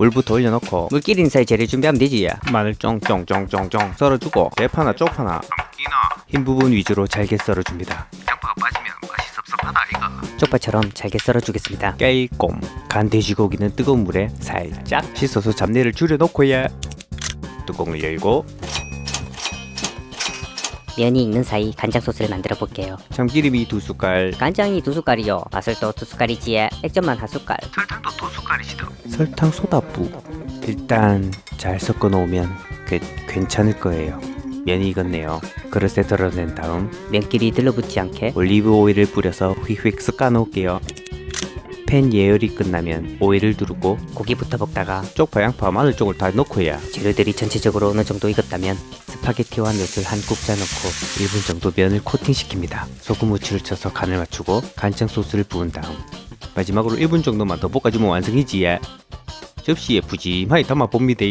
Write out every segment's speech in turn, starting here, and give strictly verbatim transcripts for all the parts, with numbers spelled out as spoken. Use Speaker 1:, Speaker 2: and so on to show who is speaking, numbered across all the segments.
Speaker 1: 물부터 올려놓고 물기린 사이 재료 준비하면 되지. 마늘 쫑쫑쫑쫑쫑 썰어주고 대파나 쪽파나 흰 부분 위주로 잘게 썰어줍니다.
Speaker 2: 양파가 빠지면 맛이 섭섭하다 이거.
Speaker 1: 쪽파처럼 잘게 썰어주겠습니다. 깨꼼 간 돼지고기는 뜨거운 물에 살짝 씻어서 잡내를 줄여놓고야 뚜껑을 열고
Speaker 3: 면이 익는 사이 간장 소스를 만들어 볼게요.
Speaker 1: 참기름이 두 숟갈,
Speaker 3: 간장이 두 숟갈이요. 마늘도 두 숟갈이지에 액젓만 한 숟갈.
Speaker 2: 설탕도 두 숟갈이시더.
Speaker 1: 설탕 소다부. 일단 잘 섞어 놓으면 꽤 괜찮을 거예요. 면이 익었네요. 그릇에 덜어낸 다음 면끼리 들러붙지 않게 올리브 오일을 뿌려서 휙휙 섞어 놓을게요. 팬 예열이 끝나면 오일을 두르고 고기부터 볶다가 쪽파, 양파, 마늘 쪽을 다 넣고야 재료들이 전체적으로 어느 정도 익었다면 스파게티와 넛을 한 국자 넣고 일 분 정도 면을 코팅시킵니다. 소금, 후추를 쳐서 간을 맞추고 간장 소스를 부은 다음 마지막으로 일 분 정도만 더 볶아주면 완성이지. 접시에 푸짐하게 담아봅니다.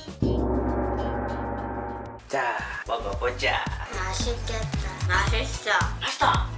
Speaker 2: 자 먹어보자.
Speaker 4: 맛있겠다. 맛있어.
Speaker 2: 맛있다.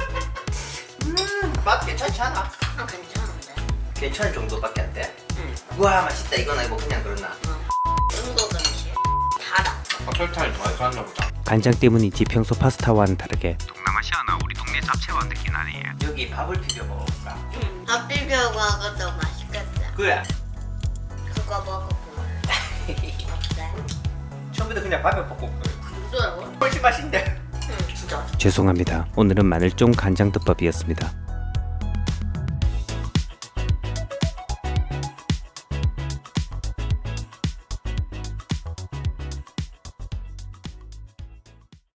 Speaker 2: 음맛 괜찮지 않아?
Speaker 4: 아, 괜찮은데.
Speaker 2: 괜찮을 정도밖에 안 돼?
Speaker 4: 응.
Speaker 2: 우와 맛있다 이거는 뭐 그냥 그러나.
Speaker 4: 중국 음식. 달아.
Speaker 2: 아, 설탕을 많이 쌌나 보다.
Speaker 1: 간장 때문인지 평소 파스타와는 다르게
Speaker 2: 동남아시아나 우리 동네 잡채와 느낌 나네. 여기 밥을 비벼 먹어볼까?
Speaker 4: 응. 밥 비벼고 하고도 맛있겠다.
Speaker 2: 그래.
Speaker 4: 그거 먹어볼래. 어때?
Speaker 2: 처음부터 그냥 밥에 볶고
Speaker 4: 부드러워?
Speaker 2: 훨씬 맛있는데.
Speaker 4: 응, 진짜.
Speaker 1: 죄송합니다. 오늘은 마늘쫑 간장덮밥이었습니다.